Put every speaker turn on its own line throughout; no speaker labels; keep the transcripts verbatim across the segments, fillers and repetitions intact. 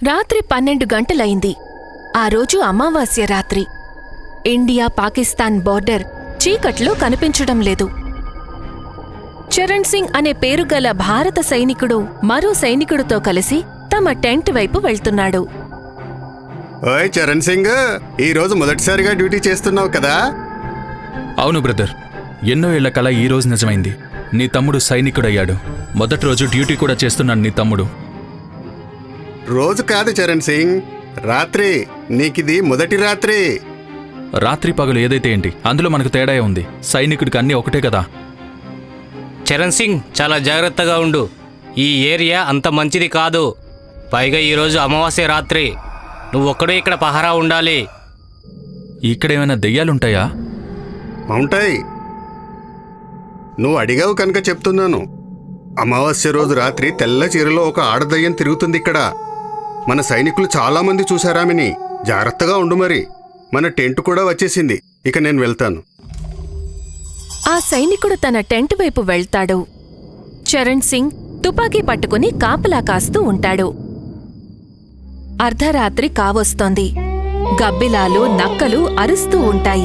రాత్రి పన్నెండు గంటలైంది. ఆ రోజు అమావాస్య రాత్రి. ఇండియా పాకిస్తాన్ బోర్డర్ చీకట్లో కనిపించడం లేదు. చరణ్ సింగ్ అనే పేరుగల భారత సైనికుడు మరో సైనికుడితో కలిసి తమ టెంట్ వైపు వెళ్తున్నాడు.
ఓయ్ చరణ్ సింగ్, ఈరోజు మొదటిసారిగా డ్యూటీ చేస్తున్నావు కదా?
అవును బ్రదర్, ఎన్నో ఏళ్ల కల ఈ రోజు నిజమైంది. నీ తమ్ముడు సైనికుడయ్యాడు. మొదటి రోజు డ్యూటీ కూడా చేస్తున్నాడు నీ తమ్ముడు.
రోజు కాదు చరణ్ సింగ్, రాత్రి. నీకిది మొదటి రాత్రి.
రాత్రి పగలు ఏదైతే ఏంటి, అందులో మనకు తేడా ఉంది. సైనికుడికి అన్నీ ఒకటే కదా.
చరణ్ సింగ్, చాలా జాగ్రత్తగా ఉండు. ఈ ఏరియా అంత మంచిది కాదు. పైగా ఈరోజు అమావాస్య రాత్రి. నువ్వు ఒక్కడే ఇక్కడ పహారా ఉండాలి.
ఇక్కడేమైనా దెయ్యాలుంటాయా?
ఉంటాయి. నువ్వు అడిగావు కనుక చెప్తున్నాను. అమావాస్య రోజు రాత్రి తెల్ల చీరలో ఒక ఆడదయ్యం తిరుగుతుంది ఇక్కడ. మన సైనికులు చాలామంది చూశారామిని. జాగ్రత్తగా ఉండు మరి. మన టెంట్ కూడా వచ్చేసింది. ఇక నేను వెళ్తాను.
ఆ సైనికుడు తన టెంట్ వైపు వెళ్తాడు. చరణ్ సింగ్ తుపాకీ పట్టుకుని కాపలా కాస్తూ ఉంటాడు. అర్ధరాత్రి కావొస్తోంది. గబ్బిలాలు, నక్కలు అరుస్తూ ఉంటాయి.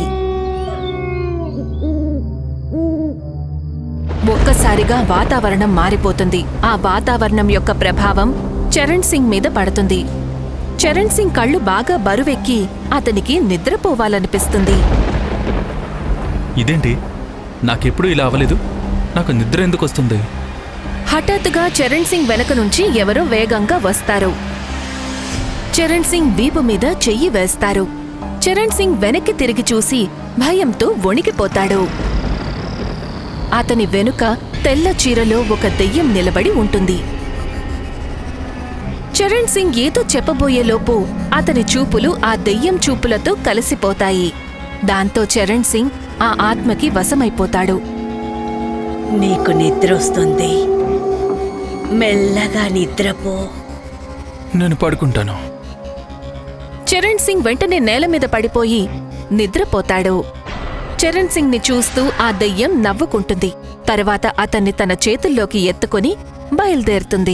ఒక్కసారిగా వాతావరణం మారిపోతుంది. ఆ వాతావరణం యొక్క ప్రభావం చరణ్ సింగ్ మీద పడుతుంది. చరణ్ సింగ్ కళ్ళు బాగా బరువెక్కి అతనికి నిద్రపోవాలనిపిస్తుంది.
ఇదేంటి, నాకెప్పుడు ఇలా అవ్వలేదు. నాకు నిద్ర ఎందుకు వస్తుంది?
హఠాత్తుగా చరణ్ సింగ్ వెనక నుంచి ఎవరో వేగంగా వస్తారు. చరణ్ సింగ్ వీపు మీద చెయ్యి వేస్తారు. చరణ్ సింగ్ వెనక్కి తిరిగి చూసి భయంతో వణికిపోతాడు. అతని వెనుక తెల్ల చీరలో ఒక దెయ్యం నిలబడి ఉంటుంది. చరణ్ సింగ్ ఏదో చెప్పబోయేలోపు అతని చూపులు ఆ దెయ్యం చూపులతో కలిసిపోతాయి. దాంతో చరణ్ సింగ్ ఆ ఆత్మకి వశమైపోతాడు.
నీకు నిద్రొస్తుంది, మెల్లగా నిద్రపో.
నేను పడుకుంటాను.
చరణ్ సింగ్ వెంటనే నేల మీద పడిపోయి నిద్రపోతాడు. చరణ్ సింగ్ ని చూస్తూ ఆ దెయ్యం నవ్వుకుంటుంది. తర్వాత అతన్ని తన చేతుల్లోకి ఎత్తుకుని బయలుదేరుతుంది.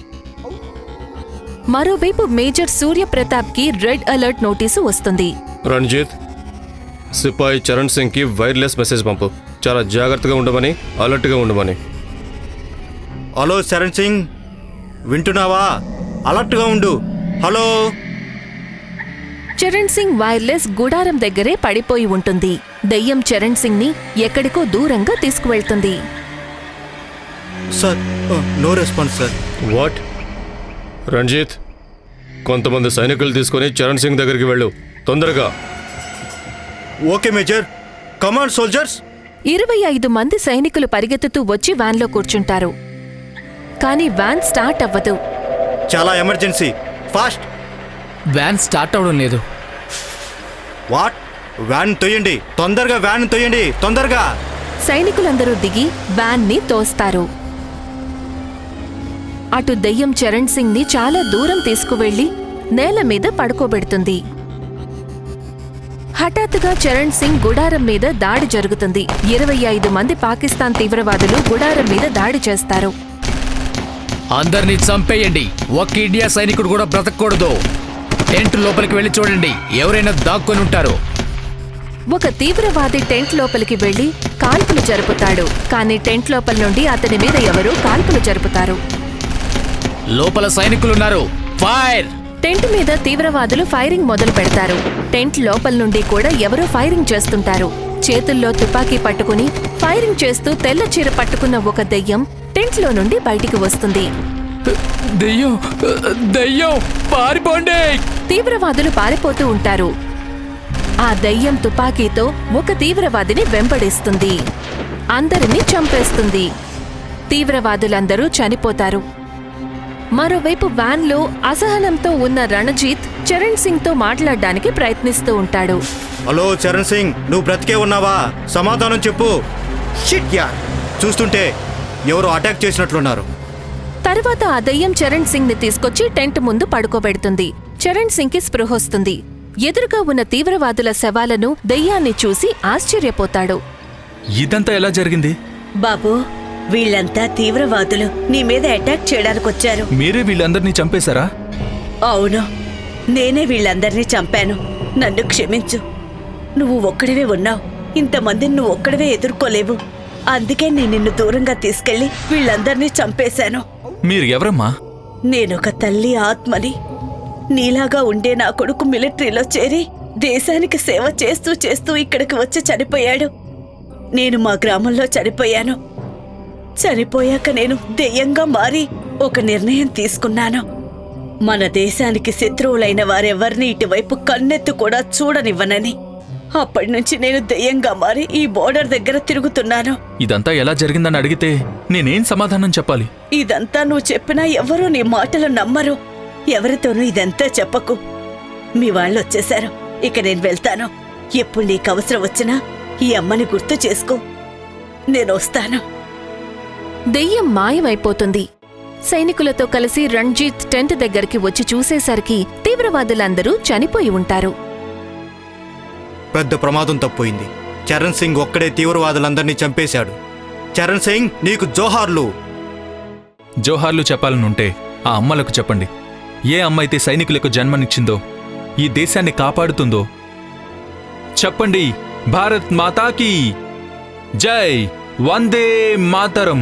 మరోవైపు మేజర్ సూర్యప్రతాప్ కి రెడ్ అలర్ట్ నోటీసు వస్తుంది.
రణ్జిత్, సిపాయి చరణ్ సింగ్ కి వైర్లెస్ మెసేజ్ పంపు. చాలా జాగ్రత్తగా ఉండమని, అలర్ట్గా ఉండమని.
హలో చరణ్ సింగ్, వింటున్నావా? అలర్ట్గా ఉండు. హలో.
చరణ్ సింగ్ వైర్లెస్ గుడారం దగ్గరే పడిపోయి ఉంటుంది. దెయ్యం చరణ్ సింగ్ ని ఎక్కడికో దూరంగా తీసుకువెళ్తుంది.
Sir, no response sir.
What? Ranjit, కొంతమంది సైనికులు తీసుకొని చరణ్ సింగ్ దగ్గరికి వెళ్ళు, తొందరగా.
Okay major. Command soldiers.
ఇరవై ఐదు మంది సైనికులు పరిగెత్తుతూ వచ్చి వ్యాన్లో కూర్చుంటారు. కాని వ్యాన్ స్టార్ట్ అవ్వదు.
చాలా ఎమర్జెన్సీ, ఫాస్ట్.
వ్యాన్ స్టార్ట్ అవడం లేదు.
వాట్? వ్యాన్ తొయ్యండి, తొందరగా వ్యాన్ తొయ్యండి, తొందరగా.
సైనికులందరూ దిగి వ్యాన్ ని తోస్తారు. అటు దెయ్యం చరణ్ సింగ్ ని చాలా దూరం తీసుకువెళ్లి నేల మీద పడుకోబెడుతుంది. హఠాత్తుగా చరణ్ సింగ్ గుడారం మీద దాడి జరుగుతుంది. ఇరవై ఐదు మంది పాకిస్తాన్ తీవ్రవాదులు గుడారం మీద దాడి చేస్తారు.
అందరినీ చంపేయండి. ఒక్క ఇండియా సైనికుడు కూడా బ్రతకూడదు. టెంట్ లోపలికి వెళ్లి చూడండి, ఎవరైనా దాక్కొని ఉంటారు.
ఒక తీవ్రవాది టెంట్ లోపలికి వెళ్లి కాల్పులు జరుపుతాడు. కానీ టెంట్ లోపల నుండి అతని మీద ఎవరో కాల్పులు జరుపుతారు.
లోపల సైనికులున్నారు, ఫైర్.
టెంట్ మీద తీవ్రవాదులు ఫైరింగ్ మొదలు పెడతారు. టెంట్ లోపల నుండి కూడా ఎవరో ఫైరింగ్ చేస్తుంటారు. చేతుల్లో తుపాకీ పట్టుకుని ఫైరింగ్ చేస్తూ తెల్ల చీర పట్టుకున్న ఒక దెయ్యం టెంట్లో నుండి బయటికి వస్తుంది.
దెయ్యం, దెయ్యం, పారిపోండి.
తీవ్రవాదులు పారిపోతూ ఉంటారు. ఆ దెయ్యం తుపాకీతో ఒక తీవ్రవాదిని వెంబడిస్తుంది. అందరినీ చంపేస్తుంది. తీవ్రవాదులందరూ చనిపోతారు. మరోవైపు వ్యాన్లో అసహనంతో ఉన్న రణజిత్ చరణ్ సింగ్ తో మాట్లాడడానికి ప్రయత్నిస్తూ ఉంటాడు.
హలో చరణ్ సింగ్, నువ్వు బ్రతికే ఉన్నావా? సమాధానం చెప్పు. షిట్ యార్, చూస్తుంటే ఎవరో అటాక్ చేసినట్లున్నారు.
తర్వాత ఆ దెయ్యం చరణ్ సింగ్ ని తీసుకొచ్చి టెంట్ ముందు పడుకోబెడుతుంది. చరణ్ సింగ్ కి స్పృహొస్తుంది. ఎదురుగా ఉన్న తీవ్రవాదుల శవాలను దెయ్యాన్ని చూసి ఆశ్చర్యపోతాడు.
ఇదంతా ఎలా జరిగింది?
బాబూ, వీళ్ళంతా తీవ్రవాదులు నీ మీద అటాక్ చేయడానికొచ్చారు.
మీరే వీళ్ళందరినీ చంపేశారా?
అవును, నేనే వీళ్ళందరినీ చంపాను. నన్ను క్షమించు. నువ్వు ఒక్కడివే ఉన్నావు. ఇంతమందిని నువ్వు ఒక్కడివే ఎదుర్కోలేవు. అందుకే నేను నిన్ను దూరంగా తీసుకెళ్లి వీళ్ళందరినీ చంపేశాను.
మీరు ఎవరమ్మా?
నేనొక తల్లి ఆత్మని. నీలాగా ఉండే నా కొడుకు మిలిటరీలో చేరి దేశానికి సేవ చేస్తూ చేస్తూ ఇక్కడికి వచ్చి చనిపోయాడు. నేను మా గ్రామంలో చనిపోయాను. చనిపోయాక నేను దెయ్యంగా మారి ఒక నిర్ణయం తీసుకున్నాను. మన దేశానికి శత్రువులైన వారెవరిని ఇటువైపు కన్నెత్తు కూడా చూడనివ్వనని. అప్పటి నుంచి నేను దెయ్యంగా మారి ఈ బోర్డర్ దగ్గర తిరుగుతున్నాను.
ఇదంతా ఎలా జరిగిందని అడిగితే నేనేం సమాధానం చెప్పాలి?
ఇదంతా నువ్వు చెప్పినా ఎవరూ నీ మాటలు నమ్మరు. ఎవరితోనూ ఇదంతా చెప్పకు. మీ వాళ్ళు వచ్చేశారు. ఇక నేను వెళ్తాను. ఎప్పుడు నీకు అవసరం వచ్చినా ఈ అమ్మని గుర్తు చేసుకో. నేను వస్తాను.
దెయ్యం మాయమైపోతుంది. సైనికులతో కలిసి రణ్జీత్ టెంట్ దగ్గరికి వచ్చి చూసేసరికి తీవ్రవాదులందరూ చనిపోయి ఉంటారు.
పెద్ద ప్రమాదం తప్పోయింది. చరణ్ సింగ్ ఒక్కడే తీవ్రవాదులందరినీ చంపేశాడు. చరణ్ సింగ్, నీకు జోహార్లు.
జోహార్లు చెప్పాలనుంటే ఆ అమ్మలకు చెప్పండి. ఏ అమ్మ అయితే సైనికులకు జన్మనిచ్చిందో, ఈ దేశాన్ని కాపాడుతుందో చెప్పండి. భారత్ మాతాకి జై, వందే మాతరం.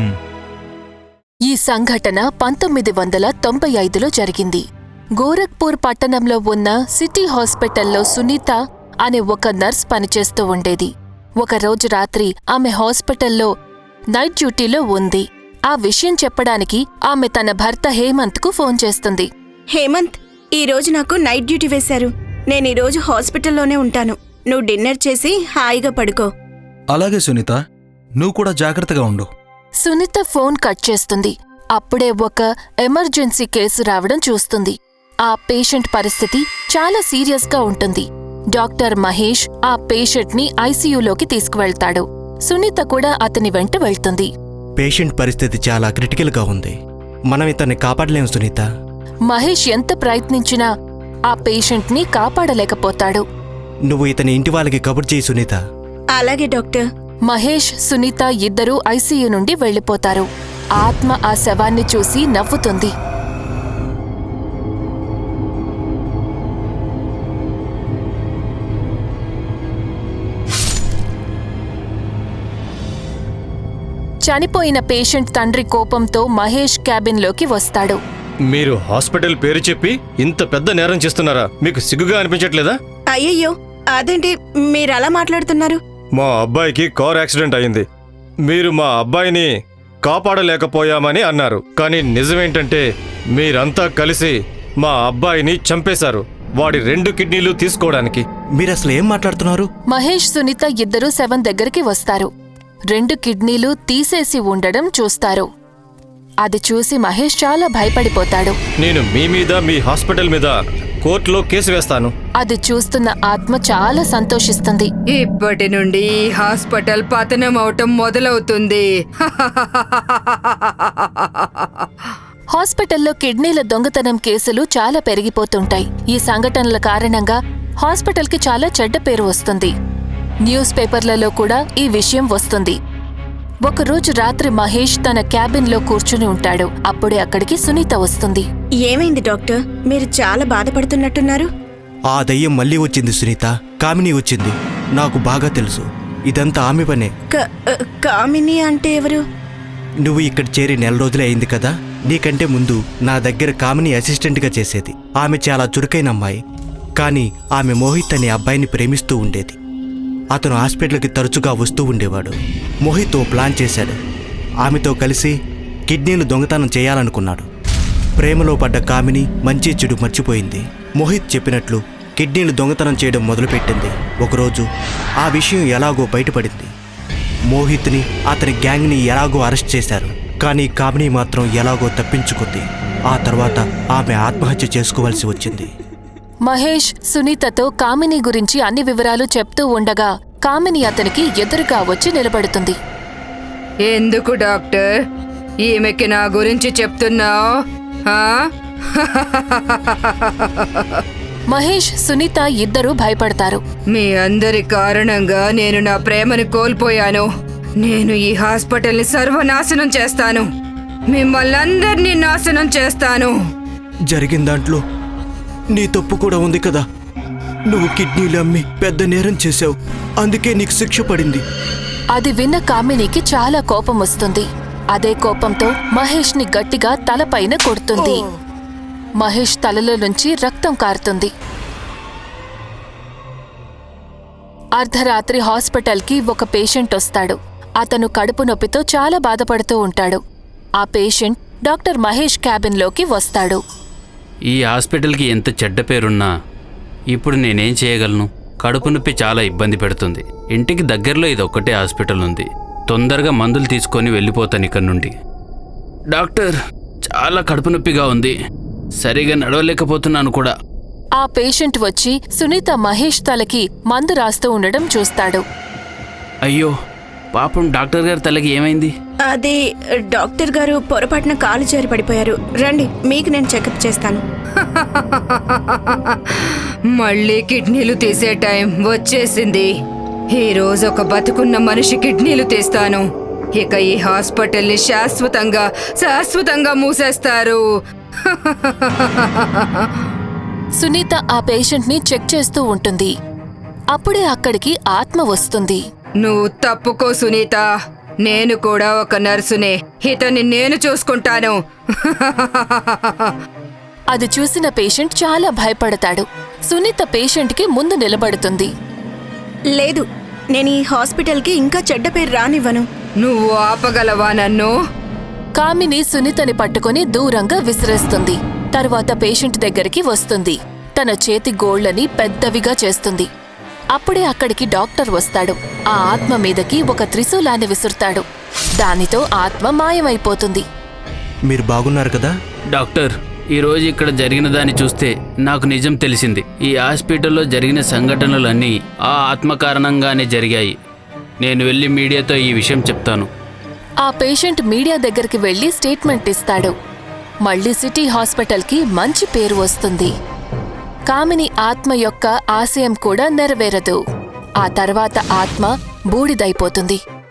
ఈ సంఘటన పంతొమ్మిది వందల తొంభై ఐదులో జరిగింది. గోరఖ్పూర్ పట్టణంలో ఉన్న సిటీ హాస్పిటల్లో సునీత అనే ఒక నర్స్ పనిచేస్తూ ఉండేది. ఒకరోజు రాత్రి ఆమె హాస్పిటల్లో నైట్ డ్యూటీలో ఉంది. ఆ విషయం చెప్పడానికి ఆమె తన భర్త హేమంత్కు ఫోన్ చేస్తుంది.
హేమంత్, ఈరోజు నాకు నైట్ డ్యూటీ వేశారు. నేను ఈరోజు హాస్పిటల్లోనే ఉంటాను. నువ్వు డిన్నర్ చేసి హాయిగా పడుకో.
అలాగే సునీత, నువ్వు కూడా జాగ్రత్తగా ఉండు.
సునీత ఫోన్ కట్ చేస్తుంది. అప్పుడే ఒక ఎమర్జెన్సీ కేసు రావడం చూస్తుంది. ఆ పేషెంట్ పరిస్థితి చాలా సీరియస్గా ఉంటుంది. డాక్టర్ మహేష్ ఆ పేషెంట్ని ఐసీయూలోకి తీసుకువెళ్తాడు. సునీత కూడా అతని వెంట వెళ్తుంది.
పేషెంట్ పరిస్థితి చాలా క్రిటికల్గా ఉంది. మనం ఇతన్ని కాపాడలేం సునీత.
మహేష్ ఎంత ప్రయత్నించినా ఆ పేషెంట్ని కాపాడలేకపోతాడు.
నువ్వు ఇతని ఇంటి వాళ్ళకి కబుర్ చేయి సునీత.
అలాగే డాక్టర్.
మహేష్, సునీత ఇద్దరూ ఐసీయూ నుండి వెళ్లిపోతారు. ఆత్మ ఆ శవాన్ని చూసి నవ్వుతుంది. చనిపోయిన పేషెంట్ తండ్రి కోపంతో మహేష్ క్యాబిన్లోకి వస్తాడు.
మీరు హాస్పిటల్ పేరు చెప్పి ఇంత పెద్ద నేరం చేస్తున్నారా? మీకు సిగ్గుగా అనిపించట్లేదా?
అయ్యయ్యో, అదేంటి మీరు అలా మాట్లాడుతున్నారు?
మా అబ్బాయికి కార్ యాక్సిడెంట్ అయింది. మీరు మా అబ్బాయిని కాపాడలేకపోయామని అన్నారు. కానీ నిజమేంటంటే మీరంతా కలిసి మా అబ్బాయిని చంపేశారు, వాడి రెండు కిడ్నీలు తీసుకోవడానికి.
మీరసలు ఏం మాట్లాడుతున్నారు?
మహేష్, సునీత ఇద్దరూ శవం దగ్గరికి వస్తారు. రెండు కిడ్నీలు తీసేసి ఉండడం చూస్తారు. అది చూసి మహేష్ చాలా భయపడిపోతాడు.
నేను మీ మీద, మీ హాస్పిటల్ మీద కోర్టులో కేసు వేస్తాను.
అది చూస్తున్న ఆత్మ చాలా సంతోషిస్తుంది.
ఇప్పటి నుండి ఈ హాస్పిటల్ పతనం అవటం మొదలవుతుంది.
హాస్పిటల్లో కిడ్నీల దొంగతనం కేసులు చాలా పెరిగిపోతుంటాయి. ఈ సంఘటనల కారణంగా హాస్పిటల్కి చాలా చెడ్డ పేరు వస్తుంది. న్యూస్ పేపర్లలో కూడా ఈ విషయం వస్తుంది. ఒకరోజు రాత్రి మహేష్ తన క్యాబిన్లో కూర్చుని ఉంటాడు. అప్పుడే అక్కడికి సునీత వస్తుంది.
ఏమైంది డాక్టర్? మీరు చాలా బాధపడుతున్నట్టున్నారు.
ఆ దయ్యం మళ్ళీ వచ్చింది సునీత. కామిని వచ్చింది. నాకు బాగా తెలుసు. ఇదంతా ఆమె పనే.
క- కామిని అంటే ఎవరు?
నువ్వు ఇక్కడ చేరి నెల రోజులే అయింది కదా. నీకంటే ముందు నా దగ్గర కామిని అసిస్టెంట్గా చేసేది. ఆమె చాలా చురుకైన అమ్మాయి. కానీ ఆమె మోహిత్ అనే అబ్బాయిని ప్రేమిస్తూ ఉండేది. అతను హాస్పిటల్కి తరచుగా వస్తూ ఉండేవాడు. మోహిత్ ఓ ప్లాన్ చేశాడు. ఆమెతో కలిసి కిడ్నీలు దొంగతనం చేయాలనుకున్నాడు. ప్రేమలో పడ్డ కామిని మంచి చెడు మర్చిపోయింది. మోహిత్ చెప్పినట్లు కిడ్నీలు దొంగతనం చేయడం మొదలుపెట్టింది. ఒకరోజు ఆ విషయం ఎలాగో బయటపడింది. మోహిత్ని, అతని గ్యాంగ్ని ఎలాగో అరెస్ట్ చేశారు. కానీ కామిని మాత్రం ఎలాగో తప్పించుకుంది. ఆ తర్వాత ఆమె ఆత్మహత్య చేసుకోవాల్సి వచ్చింది.
మహేష్ సునీతతో కామిని గురించి అన్ని వివరాలు చెప్తూ ఉండగా కామిని అతనికి ఎదురుగా వచ్చి నిలబడుతుంది.
ఎందుకు డాక్టర్ ఈమెకి నా గురించి చెప్తున్నావు?
మహేష్, సునీత ఇద్దరూ భయపడతారు.
మీ అందరి కారణంగా నేను నా ప్రేమను కోల్పోయాను. నేను ఈ హాస్పిటల్ని సర్వనాశనం చేస్తాను. మిమ్మల్ని అందరినీ నాశనం చేస్తాను.
జరిగిన దాంట్లో నీ తప్పు కూడా ఉంది కదా. నువ్వు కిడ్నీలు అమ్మి పెద్ద నేరం చేశావు, అందుకే నీకు శిక్ష పడింది.
అది విన్న కామినికి చాలా కోపం వస్తుంది. అదే కోపంతో మహేష్ ని గట్టిగా తలపైన కొడుతుంది. మహేష్ తలలో నుంచి రక్తం కారుతుంది. అర్ధరాత్రి హాస్పిటల్కి ఒక పేషెంట్ వస్తాడు. అతను కడుపు నొప్పితో చాలా బాధపడుతూ ఉంటాడు. ఆ పేషెంట్ డాక్టర్ మహేష్ క్యాబిన్లోకి వస్తాడు.
ఈ హాస్పిటల్కి ఎంత చెడ్డ పేరున్నా ఇప్పుడు నేనేం చేయగలను? కడుపు నొప్పి చాలా ఇబ్బంది పెడుతుంది. ఇంటికి దగ్గరలో ఇది ఒక్కటే హాస్పిటల్ ఉంది. తొందరగా మందులు తీసుకొని వెళ్ళిపోతాను ఇక్కడ నుండి. డాక్టర్, చాలా కడుపు నొప్పిగా ఉంది, సరిగా నడవలేకపోతున్నాను కూడా.
ఆ పేషెంట్ వచ్చి సునీత మహేష్ తలకి మందు రాస్తూ ఉండడం చూస్తాడు.
అయ్యో పాపం, డాక్టర్ గారి తలకి ఏమైంది?
అది డాక్టర్ గారు పొరపాటున కాలు జారి పడిపోయారు. రండి, మీకు నేను చెకప్ చేస్తాను.
మళ్ళీ కిడ్నీలు తీసే టైం వచ్చేసింది. ఈ రోజు ఒక బతుకున్న మనిషి కిడ్నీలు తీస్తాను. ఇక ఈ హాస్పిటల్ని శాశ్వతంగా శాశ్వతంగా మూసేస్తారు.
సునీత ఆ పేషెంట్ ని చెక్ చేస్తూ ఉంటుంది. అప్పుడే అక్కడికి ఆత్మ వస్తుంది.
నువ్వు తప్పుకో సునీత, నేను కూడా ఒక నర్సునే. ఇతన్ని నేను చూసుకుంటాను.
అది చూసిన పేషెంట్ చాలా భయపడతాడు. సునీత పేషెంట్కి ముందు నిలబడుతుంది.
లేదు, నేను ఈ హాస్పిటల్కి ఇంకా చెడ్డ పేరు రానివ్వను.
నువ్వు ఆపగలవా నన్ను?
కామిని సునీతని పట్టుకుని దూరంగా విసిరేస్తుంది. తరువాత పేషెంట్ దగ్గరికి వస్తుంది. తన చేతి గోళ్లని పెద్దవిగా చేస్తుంది. అప్పుడే అక్కడికి డాక్టర్ వస్తాడు. ఆ ఆత్మ మీదకి ఒక త్రిశూలాన్ని విసురుతాడు. దానితో ఆత్మ మాయమైపోతుంది.
మీరు బాగున్నారు కదా?
డాక్టర్, ఈరోజు ఇక్కడ జరిగిన దాన్ని చూస్తే నాకు నిజం తెలిసింది. ఈ హాస్పిటల్లో జరిగిన సంఘటనలన్నీ ఆ ఆత్మ కారణంగానే జరిగాయి. నేను వెళ్ళి మీడియాతో ఈ విషయం చెప్తాను.
ఆ పేషెంట్ మీడియా దగ్గరికి వెళ్లి స్టేట్మెంట్ ఇస్తాడు. మళ్లీ సిటీ హాస్పిటల్కి మంచి పేరు వస్తుంది. కామిని ఆత్మ యొక్క ఆశయం కూడా నెరవేరదు. ఆ తర్వాత ఆత్మ బూడిదైపోతుంది.